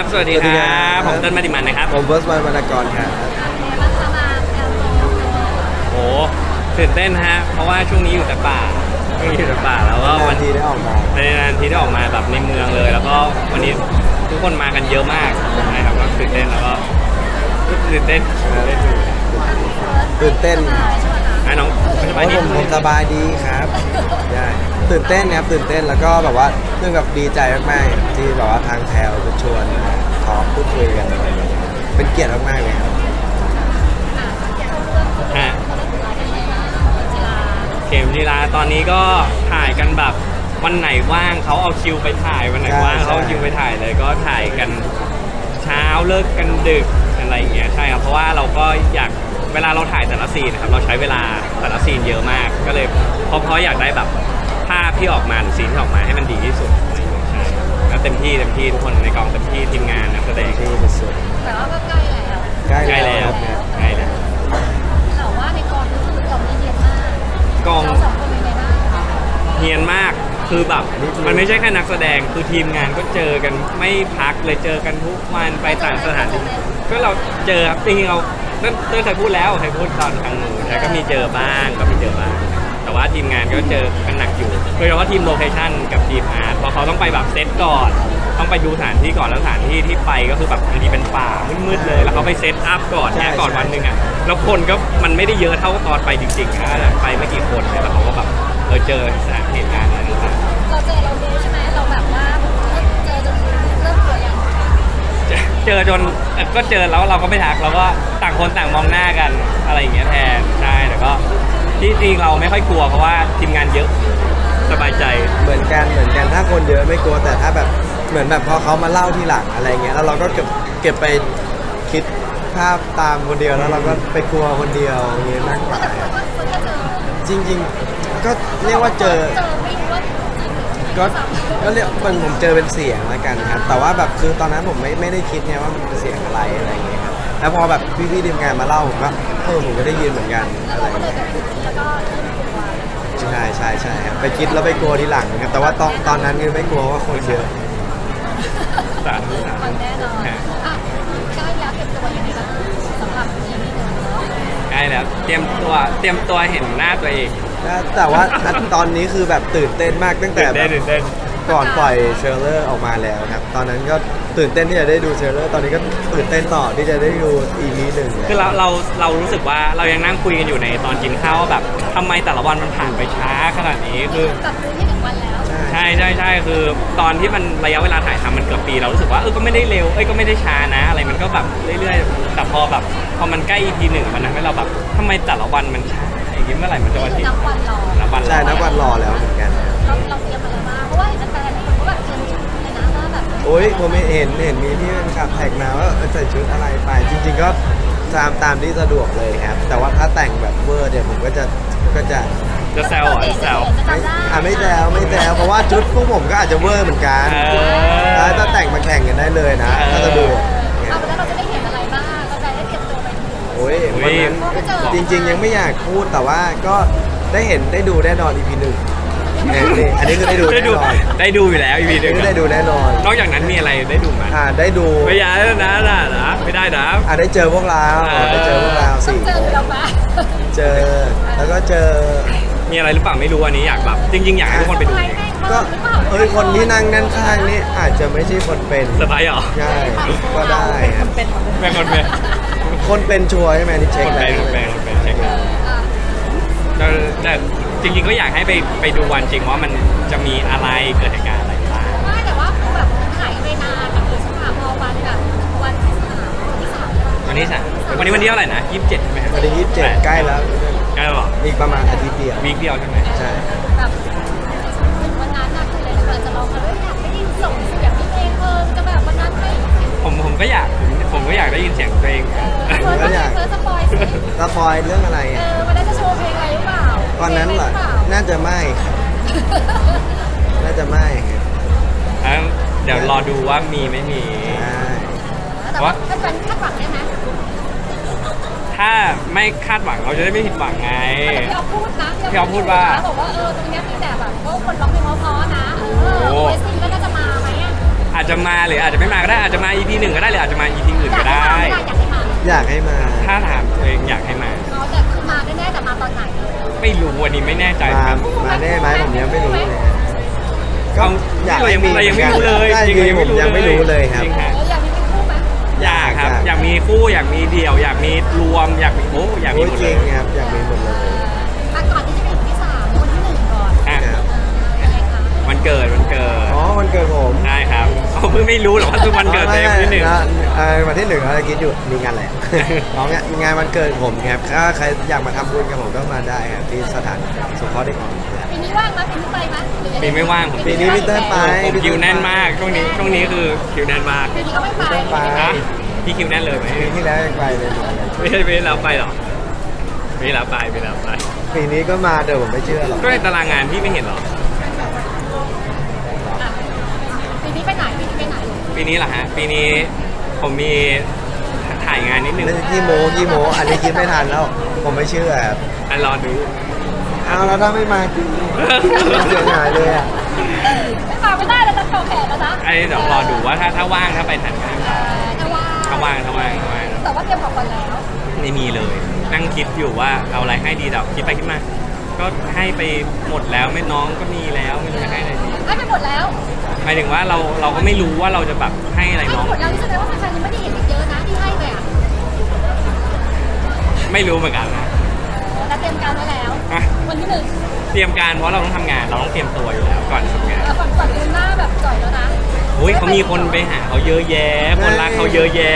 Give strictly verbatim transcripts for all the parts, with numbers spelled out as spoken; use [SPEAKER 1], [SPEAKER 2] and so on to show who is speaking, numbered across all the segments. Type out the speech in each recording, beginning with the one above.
[SPEAKER 1] ครับสวัสดีครับผมเต้นมาติมันนะครับ
[SPEAKER 2] ผมเบิร์สวันวรรณกรครับ
[SPEAKER 1] โอ้ตื่นเต้นฮะเพราะว่าช่วงนี้อยู่แต่ป่าช่วงนี้อยู่แต่ป่าแล้วก็
[SPEAKER 2] วันทีได้ออกมา
[SPEAKER 1] ในนานทีได้ออกมาแบบในเมืองเลย แล้วก็วันนี้ทุกคนมากันเยอะมากนะครับก็ตื่นเต้นแล้วก็ตื่นเต้น
[SPEAKER 2] ตื่นเต้น
[SPEAKER 1] ไอ้น้อง
[SPEAKER 2] สบายดีผมสบายดีครับใช่ตื่นเต้นครับตื่นเต้นแล้วก็แบบว่าเรื่องแบบดีใจมากๆที่แบบว่าทางแถวจะชวนขอพูดคุยกันเป็นเกียรติมากๆเลยครับ
[SPEAKER 1] เข็มจีราตอนนี้ก็ถ่ายกันแบบวันไหนว่างเขาเอาคิวไปถ่ายวันไหนว่างเขาเอาคิวไปถ่ายเลยก็ถ่ายกันเช้าเลิกกันดึกอะไรอย่างเงี้ยใช่ครับเพราะว่าเราก็อยากเวลาเราถ่ายแต่ละซีนนะครับเราใช้เวลาแต่ละซีนเยอะมากก็เลยเพราะเพราะอยากได้แบบภาพที่ออกมาหรือซีนที่ออกมาให้มันดีที่สุดใช่แล้วเต็มที่เต็มที่ทุกคนในกองเต็มที่ทีมงานนักแสดง
[SPEAKER 2] ที่สุด
[SPEAKER 3] แต่ว่าก็ใกล้แล้ว
[SPEAKER 2] ใกล้
[SPEAKER 1] ใกล้แล้วใกล้แล้ว
[SPEAKER 3] แต่ว่าในกองก็คือกองนี้เย็นมาก
[SPEAKER 1] กอง
[SPEAKER 3] เราสองคนเป็นไงบ้าง
[SPEAKER 1] เฮียนมากคือแบบมันไม่ใช่แค่นักแสดงคือทีมงานก็เจอกันไม่พักเลยเจอกันทุกวันไปต่างสถานที่ก็เราเจอครับจริงๆเราเต้นเคยพูดแล้วเคยพูดตอนครั้งหนึ่งแต่ก็มีเจอบ้างก็มีเจอบ้างแต่ว่าทีมงานก็เจอกันหนักอยู่โดยเฉพาะทีมโลเคชั่นกับทีมอาร์ตเพราะเขาต้องไปแบบเซตก่อนต้องไปดูสถานที่ก่อนแล้วสถานที่ที่ไปก็คือแบบบางทีเป็นป่ามืดๆเลยแล้วเขาไปเซตอัพก่อนแค่ก่อนวันหนึ่งอ่ะแล้วคนก็มันไม่ได้เยอะเท่าตอนไปจริงๆนะไปไม่กี่คนแล้วเขาก็แบบเออเจอสถานเหตุการณ์อะไรต่าง
[SPEAKER 3] ๆเราเจอเราดูใช่ไหมเราแบบว่าเจอจนเริ่มกลัวยัง
[SPEAKER 1] เจอจนก็เจอแล้วเราก็ไม่ทักเราก็ต่างคนต่างมองหน้ากันอะไรอย่างเงี้ยแทนใช่แต่ก็ที่จริงเราไม่ค่อยกลัวเพราะว่าทีมงานเยอะสบายใจ
[SPEAKER 2] เหมือนกันเหมือนกันถ้าคนเยอะไม่กลัวแต่ถ้าแบบเหมือนแบบพอเขามาเล่าทีหลังอะไรเงี้ยแล้วเราก็เก็บเก็บไปคิดภาพตามคนเดียวแล้วเราก็ไปกลัวคนเดียวอย่างเงี้ยมากกว่าจริงๆก็เรียกว่าเจอก็ก็เรียกมันผมเจอเป็นเสียงแล้วกันครับแต่ว่าแบบคือตอนนั้นผมไม่ไม่ได้คิดไงว่ามันเป็นเสียงอะไรอะไรอย่างเงี้ยครับแล้วพอแบบพี่ๆทีมงานมาเล่าผมก็เออผมก็ได้ยินเหมือนกันอะไรอย่างเงี้ยใช่ใช่ใช่ครับไปคิดแล้วไปกลัวทีหลังครับแต่ว่าตอนตอนนั้นคือไม่กลัวว่าคนเยอะ
[SPEAKER 1] สาธุสาธุ
[SPEAKER 3] แน่นอนอ่ะใกล้แล้วเก็บตัวยังไงบ้างสำหรับทีมนี้เนาะ
[SPEAKER 1] ใกล้แล้วเตรียมตัวเตรียมตัวเห็นหน้าตัวเอง
[SPEAKER 2] แต่ว่าตอนนี้คือแบบตื่นเต้นมากตั้งแต่
[SPEAKER 1] แบบ
[SPEAKER 2] ก่อนปล่อยเทรลเลอร์ออกมาแล้วครับตอนนั้นก็ตื่นเต้นที่จะได้ดูเทรลเลอร์ตอนนี้ก็ตื่นเต้นต่อที่จะได้ดู อี พี หนึ่ง
[SPEAKER 1] คือเราเราเรารู้สึกว่าเรายังนั่งคุยกันอยู่ในตอนกินข้าวแบบทำไมแต่ละวันมันผ่านไปช้าขนาดนี้คือ
[SPEAKER 3] ตัดที่หนึ่งวันแล้ว
[SPEAKER 1] ใช่ใช่ใช่คือตอนที่มันระยะเวลาถ่ายทำมันเกือบปีเรารู้สึกว่าเออก็ไม่ได้เร็วเอ้ยก็ไม่ได้ช้านะอะไรมันก็แบบเรื่อยๆแต่พอแบบพอมันใกล้ อี พี หนึ่งมันทำให้เราแบบทำไมแต่ละวันมันช้าอย่างนี้เมื่อไหร่มันจะวันที่
[SPEAKER 3] นับวันรอ
[SPEAKER 1] นับวันรอ
[SPEAKER 2] ใช่นับวันรอแล้วเหมือนกัน
[SPEAKER 3] เราเราเตรียมอะไรมาเพราะว่าเห็นแฟนๆเขาแบบเตรียมชุดเลยนะว่าแบบ
[SPEAKER 2] โอ้ยผมเห็นเห็นมีที่เป็นขับแท็กมาว่าใส่ชุดอะไรไปจริงๆก็ตามตามที่สะดวกเลยครับแต่ว่าถ้าแต่งแบบเวอร์เนี่ยผมก็จะก็จะ
[SPEAKER 1] จะแซวอ่ะแซว
[SPEAKER 2] อ่ะไม่แซวไม่แซวเพราะว่าชุดพวกผมก็อาจจะเวอร์เหมือนกันถ้าแต่งมาแข่งกันได้เลยนะถ้าสะดวก
[SPEAKER 3] เอาแล้วเราจะได้เห็นอะไรบ้างเราจะได้เตรียมตัวไป
[SPEAKER 2] โอ้ยวันนั้นจริงๆยังไม่อยากพูดแต่ว่าก็ได้เห็นได้ดูแน่นอน อี พี หนึ่งอันนี้คือได้ดู
[SPEAKER 1] ได้ดูได้ดูอยู่แล้ว อี พี หนึ่ง
[SPEAKER 2] ได้ดูแน่นอน
[SPEAKER 1] นอกจากนั้นมีอะไรได้ดูไหม
[SPEAKER 2] อ่าได้ดู
[SPEAKER 1] ไม่ยากนะนะนะไม่ได้นะ
[SPEAKER 2] อ่าได้เจอพวกเราได้เจอพวกเราสี่
[SPEAKER 3] เจอเราปะ
[SPEAKER 2] เจอแล้วก็เจอ
[SPEAKER 1] มีอะไรหรือเปล่าไม่รู้อันนี้อยากแบบจริงๆอยากให้ทุกคนไปดู
[SPEAKER 2] ก็เอ้ยคนที่นั่งด้านข้างนี่อาจจะไม่ใช่คนเป็น
[SPEAKER 1] สบายเหรอ
[SPEAKER 2] ใช่ก็ได้
[SPEAKER 3] คนเป็น
[SPEAKER 1] เป็นคนเป็น
[SPEAKER 2] คนเป็นชัวร์ใช่ไหมนี่เช็ค
[SPEAKER 1] แล้ว
[SPEAKER 2] คน
[SPEAKER 1] เป็นคนเป็นเช็คแล้วแต่จริงๆก็อยากให้ไปไปดูวันจริงว่ามันจะมีอะไรเกิดเหตุการณ์อะไรบ้าง
[SPEAKER 3] ไม่แต่ว่าแบบหายไปนานแบบสภาพพอวันแบบวันที่สามวันที่สาม
[SPEAKER 1] วันที่สามวันนี้วันที่เท่าไหร่นะยี่สิบเจ็ดใช่ไหม
[SPEAKER 2] วันที่ยี่สิบเจ็ดใกล้แล้ว
[SPEAKER 1] ใกล้แล้วหรอ
[SPEAKER 2] อีกประมาณอาทิตย์เดียว
[SPEAKER 1] วีคเดียวใช่ไหม
[SPEAKER 2] ใช่
[SPEAKER 3] แบบวันนั้นนะคือเลยเราจะลองกันว่าอยากได้ยินส่งเสียงเพลงเออจะแบบวันนั้นไหม
[SPEAKER 1] ผมผมก็อยากผมก็อยากได้ยินเสียงตัวเอง
[SPEAKER 3] ผมก็อยากสปอยสิ
[SPEAKER 2] สปอยเรื่องอะไร
[SPEAKER 3] เออวันนั้นจะโชว์เพลงอะไรหรือเปล่า
[SPEAKER 2] ตอนนั้นเหรอน่าจะไม่น่าจะไม่
[SPEAKER 1] ครับเดี๋ยวรอดูว่ามีไม่มี
[SPEAKER 3] แต่ว่าถ้าเป็นคาดหวังได้ไหม
[SPEAKER 1] ถ้าไม่คาดหวังเราจะได้ไม่ผิดหวังไง
[SPEAKER 3] พี่เอาพูดนะ
[SPEAKER 1] พี่เอาพูดว่า
[SPEAKER 3] บอกว่าเออตรงนี้มีแต่แบบว่าคนร้องเพลงเพราะๆนะเออเวสซี่ก็น่าจะมาไหมอ่ะ
[SPEAKER 1] อาจจะมาหรืออาจจะไม่มาก็ได้อาจจะมา อี พี หนึ่งก็ได้หรืออาจจะมา อี พี อื่น
[SPEAKER 3] อยา
[SPEAKER 1] ก็
[SPEAKER 3] กให้
[SPEAKER 1] ได้
[SPEAKER 3] มาไม่ได้อยากให้มา
[SPEAKER 2] อยากให้มา
[SPEAKER 1] ถ้าถามตัวเองอยากให้มา
[SPEAKER 3] เขาแต่คือมาแน่ๆแต่มาตอนไหน
[SPEAKER 1] ไม่รู้วันนี้ไม่แน่ใจ
[SPEAKER 2] มา
[SPEAKER 1] ครับ
[SPEAKER 2] มาแน่ไหมผมยังไม่รู้เลย
[SPEAKER 1] เอา
[SPEAKER 2] อยาก
[SPEAKER 1] เรา
[SPEAKER 2] ให้
[SPEAKER 1] ยัง
[SPEAKER 2] มี
[SPEAKER 1] เรายังไม่รู้เลย
[SPEAKER 2] ใช่
[SPEAKER 1] จริง
[SPEAKER 2] จริงๆผมยังไม่รู้เลยครับ
[SPEAKER 1] จริง
[SPEAKER 3] เอ
[SPEAKER 1] ฮะ
[SPEAKER 3] ออยากมีเป็นคู่ไหม
[SPEAKER 1] อยากครับอยากมีคู่อยากมีเดี่ยว อยากมีรวมอยากมีโอ้อยากมี
[SPEAKER 2] โอ้
[SPEAKER 1] หมด
[SPEAKER 2] จ
[SPEAKER 1] เล
[SPEAKER 2] ริ
[SPEAKER 1] ย
[SPEAKER 2] งครับอยากมีหมดเลย
[SPEAKER 3] อ่ะก่อนที่จะไปถึงที่สามคนที่หนึ่งก่อน
[SPEAKER 1] อ่ะ
[SPEAKER 2] ครับ
[SPEAKER 3] ยังไงคะ
[SPEAKER 1] วันเกิดวันเกิด
[SPEAKER 2] อ๋อวันเกิดผม
[SPEAKER 1] ใช่ครับเขาเพิ่งไม่รู้หรอกว่าคือวันเกิดเต็มที่หนึ่ง
[SPEAKER 2] นะเอ่อวันที่หนึ่งเราจะคิดอยู่มีงานอะไร อ๋องานงานวันเกิดผมครับถ้าใครอยากมาทำบุญกับผมก็มาได้ครับที่สถานสงเคราะห์เด็กอ่อนครับ
[SPEAKER 3] ปีนี้ว่างไหมปีนี้ไปไหมหรือยังง
[SPEAKER 1] ปีไม่ว่างผม
[SPEAKER 2] ปีนี้พี่เต้ยไป
[SPEAKER 1] ผมคิวแน่นมากช่วงนี้ช่วงนี้คือคิวแน่นมาก
[SPEAKER 3] ปีนี้ก็ไม่ไป
[SPEAKER 2] ไม่ไป
[SPEAKER 1] นะพี่คิวแน่นเลยไหม
[SPEAKER 2] ปีที่แล้วยังไปเลย
[SPEAKER 1] ไม่ใช่ปีแล้วไปหรอปีแล้วไปปีแล้วไป
[SPEAKER 2] ปีนี้ก็มาเดี๋ยวผมไม่เชื่อหรอก
[SPEAKER 1] ก็ในตารางงานพี่ไม่เห็นหรอ
[SPEAKER 3] อ่ะปีนี้ไปไหนปีนี้ไปไหน
[SPEAKER 1] ปีนี้เหรอฮะปีนี้ผมมีถ่ายงานนิดนึง
[SPEAKER 2] นั่นที่โมที่โมอันนี้คิดไม่ทันแล้ว ผมไม่เชื่อครับ
[SPEAKER 1] อันรอดู
[SPEAKER 2] เอาแล้วถ้าไม่มาจริงเสียหายเลยอ่ะ
[SPEAKER 3] ไม่มาไม่ได้แล้วจะต่อแขนแล้วนะ
[SPEAKER 1] ไอ้เดี๋ยวรอดูว่าถ้าถ้าว่างถ้าไปถ่ายงาน
[SPEAKER 3] เออถ้าว่า
[SPEAKER 1] ถ้าว่างถ้าว่างถ้าว่าง
[SPEAKER 3] แต่ว่าเตรียมของก่อนแล้ว
[SPEAKER 1] ไม่มีเลย นั่งคิดอยู่ว่าเอาอะไรให้ดีแต่คิดไปคิดมา ก็ให้ไปหมดแล้วไม่น้องก็มีแล้วไม่รู้จะให้อะไรดี
[SPEAKER 3] ให้ไปหมดแล้ว
[SPEAKER 1] หมายถึงว่าเราเราก็ไม่รู้ว่าเราจะแบบให้อะไร
[SPEAKER 3] ให้
[SPEAKER 1] น้
[SPEAKER 3] ไป
[SPEAKER 1] อง
[SPEAKER 3] หมดแล้วนี่แสดงว่าแฟนๆยังไม่ได้เห็นอีกเยอะนะที่ให้ไปอ่ะ
[SPEAKER 1] ไม่รู้เหมือนกันนะ
[SPEAKER 3] แต่เตรียมการไว้แล้ว
[SPEAKER 1] อ่ะ
[SPEAKER 3] วันที่หนึ่ง
[SPEAKER 1] เตรียมการเพราะเราต้องทำงานเราต้องเตรียมตัวอยู่แล้วก่อนทำงาน
[SPEAKER 3] เออฝั่งฝั่งดูหน้าแบบจ่อยแล้วนะ
[SPEAKER 1] โอ้ยเขามีคนไปหาเขาเยอะแยะ คนรักเขาเยอะแยะ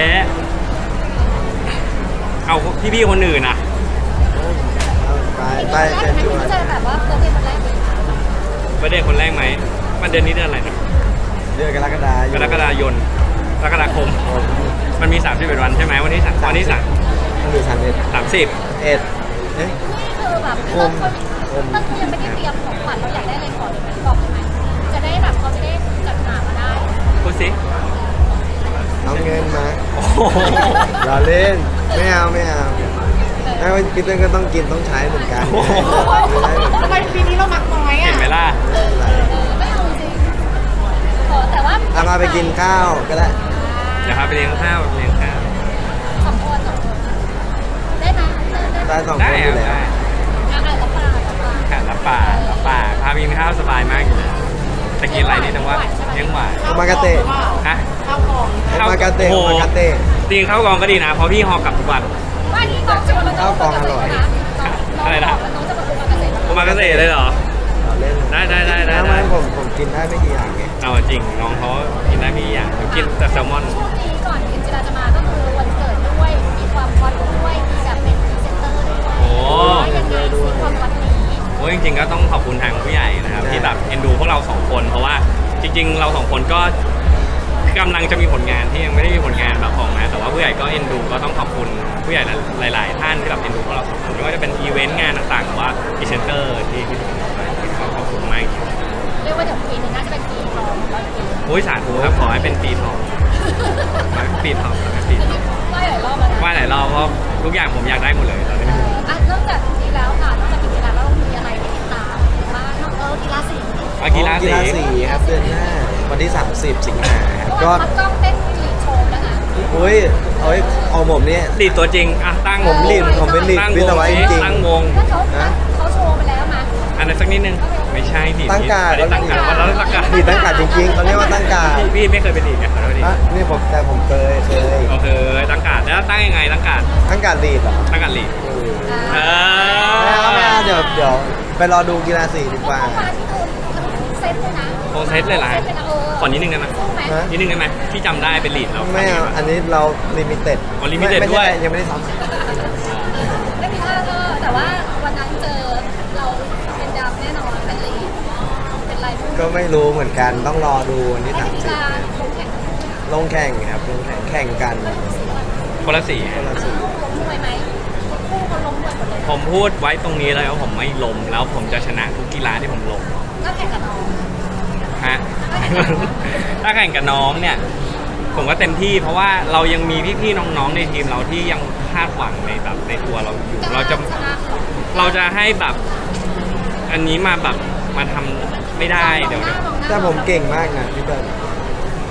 [SPEAKER 1] เอาพี่ๆคนอื่นอ่ะ
[SPEAKER 2] ไป
[SPEAKER 3] ปี
[SPEAKER 2] ไป
[SPEAKER 3] นี้
[SPEAKER 2] เชิญชวน
[SPEAKER 3] จะแบบว่าเบอร์เดย์วันแรกเลย
[SPEAKER 1] ประเด็นคนแรกไหมมันเดือนนี้เดือนอะไรนะ
[SPEAKER 2] เดือนกรกฎาคม
[SPEAKER 1] กรกฎาคมกรกฎาคม มันมีสามสิบเอ็ดวันใช่ไหมวันที่สามวันที่สาม
[SPEAKER 2] มันอยู่สามเอ็ด
[SPEAKER 1] สามสิบ
[SPEAKER 2] เอ็ดเอ๊ะ
[SPEAKER 3] นี่คือแบบ
[SPEAKER 2] โอ
[SPEAKER 3] เต้น
[SPEAKER 2] ม
[SPEAKER 3] เขาเต้นเขายังไม่ได้เตรียมของขวัญเราอยากได้อะไรขอเลยไหมบอกเลยไหมจะได้แบบเขาจะได้จัดหามาได้
[SPEAKER 1] พูดสิ
[SPEAKER 2] เอาเงินมา
[SPEAKER 1] โอ้โห
[SPEAKER 2] รอเล่นไม่เอาไม่เอาถ้าพี่เต้นก็ต้องกินต้องใช้เหมือนกัน
[SPEAKER 1] โอ้โห
[SPEAKER 3] ทำไมปีนี้เรามักน้อย
[SPEAKER 1] เห็
[SPEAKER 3] อ่ะ
[SPEAKER 1] นไหมล่ะ
[SPEAKER 3] เออไม่เอาจริงขอแต่ว่า
[SPEAKER 2] เอามาไปกินข้าวก็ได้
[SPEAKER 1] เดี๋ยวพาไปเลี้ยงข้าวเลี้ยงข้าว
[SPEAKER 3] สองคนสองคนได้ไหมได้ได้
[SPEAKER 2] ได้สองค
[SPEAKER 1] ได้
[SPEAKER 2] นอ
[SPEAKER 1] ครั
[SPEAKER 2] ยู่
[SPEAKER 1] บ
[SPEAKER 2] แล้ว
[SPEAKER 1] ได้
[SPEAKER 3] อ่ะอ่ะรับปากรับปาก
[SPEAKER 1] ค่ะรับป่ารับป่าพาไปกินข้าวสบายมากอยู่แล้วตะกินอะไรนี่นะว่าเลี้ยงหวาน
[SPEAKER 2] โอมากาเตะ
[SPEAKER 1] ฮะ
[SPEAKER 3] ข้าวกล่อง
[SPEAKER 2] โอมากาเตะ
[SPEAKER 1] โอ้
[SPEAKER 2] โอ
[SPEAKER 1] โห
[SPEAKER 2] มากาเตะ
[SPEAKER 1] จริงข้าวกองก็ดีนะ เพราะพี่ฮอกลับทุกวัน
[SPEAKER 3] ว่านี่น้องชวนเรา
[SPEAKER 2] ข้าวกล่องอร่อย
[SPEAKER 3] อะไรนะน้องจะมาอุปกรณ์เกษตร
[SPEAKER 1] โอมากาเสะเลยเหรอ
[SPEAKER 2] รอเล่น
[SPEAKER 1] ได้ได้ได้ได้
[SPEAKER 2] แล้ว
[SPEAKER 1] ได้
[SPEAKER 2] มันผมผมกินได้ไม่กี่อย่างไง
[SPEAKER 1] เอาจริงน้องเขากินได้มีอย่างผมกินแต่แซลมอน
[SPEAKER 3] ช่วงนี้ก่อนกินจิราจะมาก็คือวันเกิดด้วยมีความฮอตด้วยมีแบบเป็นพรีเซนเตอร์ด้วย
[SPEAKER 1] โอ้
[SPEAKER 3] ยังไงซีความฮอตนี้
[SPEAKER 1] โอ้จริงๆก็ต้องขอบคุณทางผู้ใหญ่นะครับที่แบบเอ็นดูพวกเราสองคน เพราะว่าจริง ๆ เราสองคนก็กำลังจะมีผลงานที่ยังไม่ได้มีผลงานแบบออกมาแต่ว่าผู้ใหญ่ก็เอ็นดูก็ต้องขอบคุณผู้ใหญ่หลาย ๆ ท่านที่แบบเอ็นดูพวกเราสองคนไม่ว่าจะเป็นอีเวนต์งานต่างๆหรือว่าพรีเซนเตอร์ที่ที่ขอขอบคุณมากจริง
[SPEAKER 3] เรียกว่าเดี๋ยวปีหนึงน่าจะเป็นปีทองร้อยปี
[SPEAKER 1] โอ้ยสาธุครับขอให้เป็นปีทองขอให้เป็นปีทองขอให้เป็นปี
[SPEAKER 3] อัน
[SPEAKER 1] ทอ
[SPEAKER 3] นี้
[SPEAKER 1] ง
[SPEAKER 3] ไหว้หลายรอบแล้วนะ
[SPEAKER 1] ว่าหลายรอบเพราะทุกอย่างผมอยากได้หมดเลยตอนนี้
[SPEAKER 3] เอออ่ะนอกจากนี้แล้วค่ะนอกจากกิจกรรมแล้วเรามีอะไรให้ติดตามบ้างนอกเออกีฬาสี
[SPEAKER 1] อากีฬา
[SPEAKER 2] กี
[SPEAKER 1] สี
[SPEAKER 2] ฬาสีครับเดือนหน้าวันที่สามสิบสิงหาครับ
[SPEAKER 3] ก็
[SPEAKER 2] ก็
[SPEAKER 3] พักกล้องเต้นลีดโชว์แล้วนะ
[SPEAKER 2] อุ้ยเอ้ยเอาผมเนี่ย
[SPEAKER 1] ลีดตัวจริงอ่ะตั้ง
[SPEAKER 2] ผมลีดผมเป็นลีด
[SPEAKER 1] ตั้ง
[SPEAKER 2] วิ
[SPEAKER 1] ว
[SPEAKER 2] ศ
[SPEAKER 1] ง
[SPEAKER 2] วะจ
[SPEAKER 1] สิ
[SPEAKER 2] ริง
[SPEAKER 1] ตั้งวง
[SPEAKER 3] ถ้าเขาเขาโชว์ไปแล้วมา
[SPEAKER 1] อันนั้นสักนิดนึงไม่ใช่ลีด
[SPEAKER 2] ตั้งการ์ด
[SPEAKER 1] อันนี้ตั้งการ์ดวันแล้วตั้งการ์ด
[SPEAKER 2] ลีดตั้งการ์ดจริงๆเขาเรียกว่าตั้งการ์ด
[SPEAKER 1] พี่พี่ไม่เคยเป็นลีดไงขอโทษที
[SPEAKER 2] อ่ะนี่ผมแต่ผมเคยเคย
[SPEAKER 1] โอเคตั้งการ์ดแล้วตั้งยังไงตั้งการ์ด
[SPEAKER 2] ตั้งการ์ดลีดเหรอ
[SPEAKER 1] ตั้งการ์ดลีด
[SPEAKER 2] เออ
[SPEAKER 1] เอ
[SPEAKER 2] ไม่เอาไม่
[SPEAKER 1] อ
[SPEAKER 2] เอาเดี๋ยวเดี๋ยวไปรอดูกีฬาสีดีกว่า
[SPEAKER 3] เมื่อวานที่คือเซตเลยนะ
[SPEAKER 1] โคเซตเลยล่ะ
[SPEAKER 3] เซตเลยนะเออ
[SPEAKER 1] ขอนิดนึงได้ไหม
[SPEAKER 3] สู้ไหม
[SPEAKER 2] ฮะ
[SPEAKER 1] นิดนึงได้ไหมที่จำได้เป็นลีดเรา
[SPEAKER 2] ไม่เอาอันนี้เราลิมิเต็ด
[SPEAKER 1] อ๋อ limited ด้วย
[SPEAKER 2] ยังไม่ได้ซ้อม
[SPEAKER 3] ไม่มีท่าเออแต่ว่าวันนั้นเจอเราเป็นดำแน่นอนเป็นลีดเป็นไรพวก
[SPEAKER 2] ก็ไม่รู้เหมือนกันต้องรอดูวันที่
[SPEAKER 3] ให้
[SPEAKER 2] สาม
[SPEAKER 3] กี
[SPEAKER 2] สิบ
[SPEAKER 3] ฬาลงแข่ง
[SPEAKER 2] ลงแข่งครับลงแข่งแข่งกัน
[SPEAKER 1] คนละสี
[SPEAKER 2] คนละสี
[SPEAKER 3] ล้มมวยไหมคู่เขาล้มมวยหมดเลย
[SPEAKER 1] ผมพูดไว้ตรงนี้เลยว่าผมไม่ล้มแล้วผมจะชนะทุกกีฬาที่ผมลง
[SPEAKER 3] ก็แข่งกับน้อง
[SPEAKER 1] ฮะ ถ้าแข่งกับน้องเนี่ย ผมก็เต็มที่เพราะว่าเรายังมีพี่ๆน้องๆในทีมเราที่ยังคาดหวังในแบบในตัวเราอยู่ เราจะ
[SPEAKER 3] ชนะหรอ
[SPEAKER 1] เราจะให้แบบอันนี้มาแบบมาทำไม่ได้เดี๋ยวเดี๋ยว
[SPEAKER 2] แต่ผมเก่งมากนะพี่เติ้ล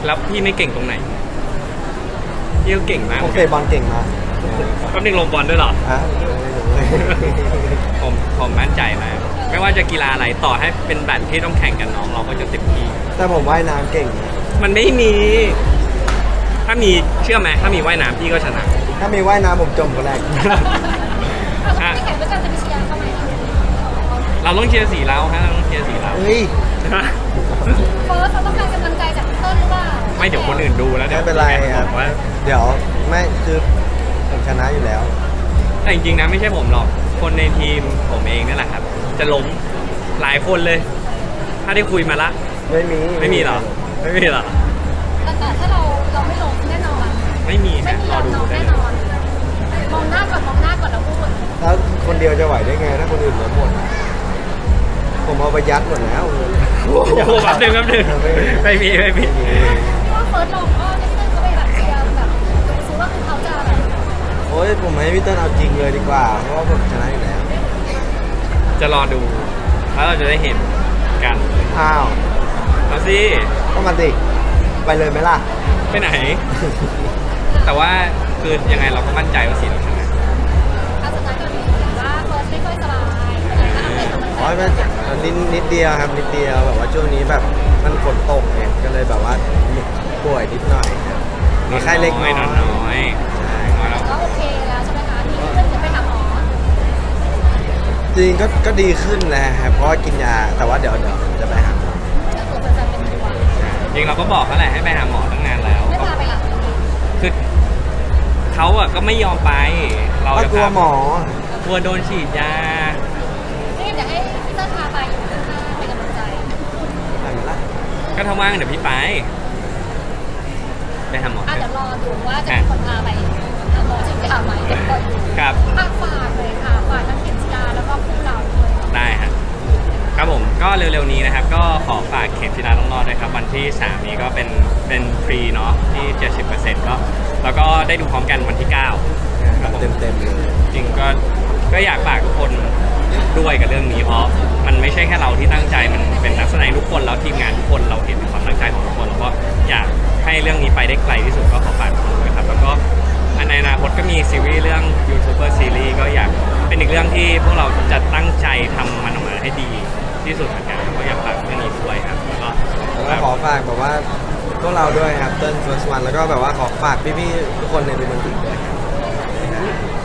[SPEAKER 1] แล้วพี่ไม่เก่งตรงไหนพี่ก็เก่งมาก
[SPEAKER 2] ผมเตะบอลเก่งมาก
[SPEAKER 1] แป๊บนึงลงบอลด้วยเหรอ
[SPEAKER 2] ฮะ
[SPEAKER 1] ผมผมมั่นใจมากไม่ว่าจะกีฬาอะไรต่อให้เป็นแบดที่ต้องแข่งกันน้องเราก็จะเต็มที่
[SPEAKER 2] แต่ผมว่ายน้ำเก่งนะ
[SPEAKER 1] มันไม่มี ถ้ามีเชื่อไหมถ้ามีว่ายน้ำพี่ก็ชนะ
[SPEAKER 2] ถ้ามีว่ายน้ำผมจมคนแรก
[SPEAKER 3] ถ้าไม่แข่งด้วยกันจะมีเชียร์เข้าไหม
[SPEAKER 1] เราต้องเชียร์สีเราฮะเราต้องเชียร์สีเรา
[SPEAKER 2] เฮ้ย
[SPEAKER 3] เฟิร์สเราต้องการกำลังใจจากพี่เต้นหรือเปล่า
[SPEAKER 1] ไม่เดี๋ยวคนอื่นดูแล้วเดี๋ยว
[SPEAKER 2] ไม่เป็นไรครับ
[SPEAKER 1] อกว่า
[SPEAKER 2] เดี๋ยวไม่คือผมชนะอยู่แล้ว
[SPEAKER 1] แต่จริงๆนะไม่ใช่ผมหรอกคนในทีมผมเองนั่นแหละครับ จะล้มหลายคนเลย ถ้าได้คุยมาละ
[SPEAKER 2] ไม่มี
[SPEAKER 1] ไม่มีหรอไม่มีหรอ
[SPEAKER 3] แต่แต่ถ้าเราเราไม่ลงแน่นอน
[SPEAKER 1] ไม่มี
[SPEAKER 3] ไม่
[SPEAKER 1] ฮะ
[SPEAKER 3] มี
[SPEAKER 1] รอย
[SPEAKER 3] อม
[SPEAKER 1] ดู
[SPEAKER 3] น้อง
[SPEAKER 1] ได้
[SPEAKER 3] แน่
[SPEAKER 1] เล
[SPEAKER 3] น
[SPEAKER 1] ย
[SPEAKER 3] อนมองหน้าก่อนมองหน้าก่อนแล้วพูด
[SPEAKER 2] แล้วคนเดียวจะไหวได้ไงถ้าคนอื่นล้มหมด ผมเอาไปยัดหมดแล้ว
[SPEAKER 1] โอ้โหแป๊บนึงแป๊บนึงไม่มีไม่มี
[SPEAKER 3] เพราะว่าเฟิร์สลงก็พี่เต้นก็ไปแบบเชียร์แบบดูซิว่าคือเขาจะแบบ
[SPEAKER 2] โอ้ยผมให้พี่เติ้ลเอาจริงเลยดีกว่า เพราะว่าผมชนะอยู่แล้ว
[SPEAKER 1] จะรอดูแล้วเราจะได้เห็นกัน
[SPEAKER 2] อ้าว
[SPEAKER 1] เอาสิ
[SPEAKER 2] ก็มาสิไปเลยไหมล่ะ
[SPEAKER 1] ไปไหน แต่ว่าคือยังไงเราก็มั่นใจว่าสีเราชนะ
[SPEAKER 3] เอาสุดท้ายก่อนดีเห็นว่าเฟิร์สไม่ค่อยสบายอะไรก็อัปเดตกำลังใจ
[SPEAKER 2] โอ้ยมันนิดนิดเดียวครับนิดเดียวแบบว่าช่วงนี้แบบมันฝนตกไงก็เลยแบบว่าป่วยนิดหน่อยครับมีไข้เล็กน้อย
[SPEAKER 1] นอนน้อย
[SPEAKER 2] ใช่
[SPEAKER 1] น้อยแล้ว
[SPEAKER 3] ก็โอเคแล้วใช่ไหมคะที่เพื่อนจะไปหาหมอ
[SPEAKER 2] จริงก็ก็ดีขึ้นนะครับเพราะว่ากินยาแต่ว่าเดี๋ยวเดี๋ยวจะไปหาหมอ
[SPEAKER 3] จะตรวจแฟนๆเป็นตัว
[SPEAKER 1] จริงเราก็บอกเขาแหละให้ไปหาหมอตั้งนานแล้ว
[SPEAKER 3] ไม่พาไปหลับ
[SPEAKER 1] คือเขาอะก็ไม่ยอมไป เรา
[SPEAKER 2] ก็
[SPEAKER 1] จะ
[SPEAKER 2] กลัวหมอ
[SPEAKER 1] กลัวโดนฉีดยา
[SPEAKER 3] นี่อยากให้พี่เต้นพาไปอยู่ข้างๆเป็นกำลังใจ
[SPEAKER 2] ไปไหมล่ะ
[SPEAKER 1] ก็ถ้าว่างเดี๋ยวพี่ไป ไปหาหมอ
[SPEAKER 3] อ่ะ
[SPEAKER 1] เถ
[SPEAKER 3] เดี๋ยว
[SPEAKER 1] อะ
[SPEAKER 3] รอดูว่าจะมีคนพาไปหาหมอจริงจะเอาไหมเดี๋ยวคอยดู
[SPEAKER 1] ครับ
[SPEAKER 3] ฝากฝากเลยค่ะฝากทั้งเข็มจีราแล้วก็คู่เราด้วย
[SPEAKER 1] ได้ครับครับผมก็เร็วๆนี้นะครับ ก็ขอฝากเข็มทิลาต้องรอดด้วยครับ วันที่สามนี้ก็เป็นเป็นฟรีเนาะที่ เจ็ดสิบเปอร์เซ็นต์ ก็แล้วก็ได้ดูพร้อมกันวันที่เก้าครับผม
[SPEAKER 2] เต็มเต็มๆเลย
[SPEAKER 1] จริงก็ก็อยากฝากทุกคนด้วยกับเรื่องนี้เพราะมันไม่ใช่แค่เราที่ตั้งใจมันเป็นนักแสดงทุกคนแล้วทีมงานทุกคนเราเห็นความตั้งใจของทุกคนแล้วก็อยากให้เรื่องนี้ไปได้ไกลที่สุดก็ขอฝากทุกคนด้วยครับแล้วก็ในอนาคตก็มีซีรีส์เรื่องยูทูบเบอร์ซีรีส์ก็อยากเป็นอีกเรื่องที่พวกเราจะตั้งใจทำมันออกมาให้ดีที่สุดเหมือนกันก็อยากฝากเรื่องนี้ด้วยครับแล้วก็
[SPEAKER 2] แล้วก็ขอฝากแบบว่าพวกเราด้วยครับเติ้ลเฟิร์สวันแล้วก็แบบว่าขอฝากพี่ๆทุกคนในดูมันติด้วยครับ